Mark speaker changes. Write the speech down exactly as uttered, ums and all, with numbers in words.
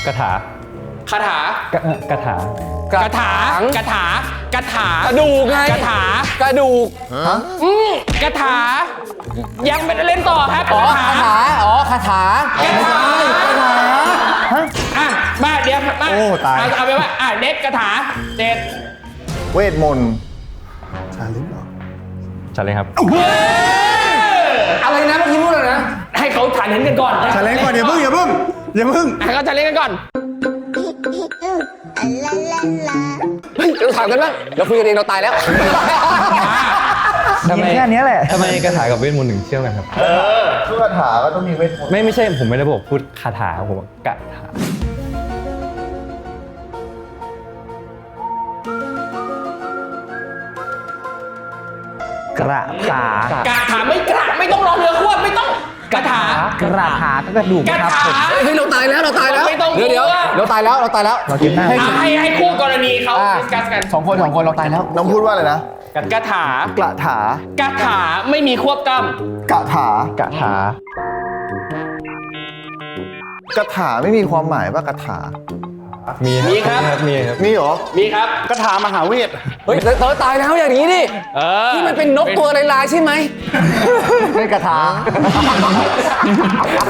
Speaker 1: กระถา
Speaker 2: คาถาก
Speaker 1: ระเอ่อกระถาก
Speaker 2: ระถากระถากระถากระ
Speaker 3: ดูกไง
Speaker 2: กระถาก
Speaker 3: ระดูก
Speaker 2: อืมกระถายังไม่ได้เล่นต่อครับ
Speaker 3: อ๋อก
Speaker 2: ระถา
Speaker 3: คาถาอ๋อคาถาก
Speaker 2: ระถาอ่ะมาเดี๋ยวมา
Speaker 4: โอ้ตาย
Speaker 2: เอเอาไปว่าอ่ะเน็ตกระถาเจ็ด
Speaker 4: เวทมนต์ชาลิฟเหรอ
Speaker 1: ชัดเลยครับ
Speaker 3: อะไรนะเมื่อกี้พูดอะไรนะ
Speaker 2: ให้เขาฐานเห็นกันก่อน
Speaker 4: ชาเลนจ์ก่อนอย่าเพิ่งอย่าเพิ่งอย่าเพิ่ง
Speaker 2: ให้เขาฐานเล่นกันก่อน
Speaker 3: เฮ้ยเราถามกันบ้างเราคุยกันเองเราตายแล้ว
Speaker 1: ทำไมแค่นี้แหละทำไมกระถากับเวทมนต์ถึงเชื่อมกันครับ
Speaker 4: ทุกคาถาก็ต้องมีเวทมนต์
Speaker 1: ไม่ไม่ใช่ผมไม่ได้บอกพูดคาถาผมบอกกระถา
Speaker 5: กระถาก
Speaker 2: ระถาไม่กระไม่ต้องรอเรือควบไม่ต้องกระถาก
Speaker 5: ระถาก็กระดูก
Speaker 2: กระ
Speaker 5: นะครับ
Speaker 2: ถา
Speaker 5: ผม
Speaker 3: เฮ้ยเราตายแล้วเราตายแล้ว
Speaker 2: ไม่ต้อง
Speaker 3: เดี๋ยวเดี๋ยว
Speaker 2: กลัว
Speaker 3: เราตายแล้วเราตายแล้ว
Speaker 5: เรากินหน้า
Speaker 2: อ่ะให้ให้คู่กรณีเขา
Speaker 3: อ่ะ
Speaker 2: ดิสคัสกัน
Speaker 3: สองคนสองคนเราตายแล้ว
Speaker 4: น้องพูดว่าอะไรนะ
Speaker 2: กระถาก
Speaker 4: ระถาก
Speaker 2: ระถาไม่มีควบกล้
Speaker 4: กระถาก
Speaker 5: ระถาก
Speaker 4: ระถาไม่มีความหมายว่ากระถา
Speaker 1: มี
Speaker 2: มีครับ
Speaker 1: มีครับ
Speaker 4: มีเหรอ
Speaker 2: ำมีครับ
Speaker 4: กระถามหาเวท
Speaker 3: เฮ้ยเธอตายแล้วอย่างนี้ดิ
Speaker 2: เออ
Speaker 3: ที่มันเป็นนกตัวลายๆใช่ไหม
Speaker 5: ไม่กระถา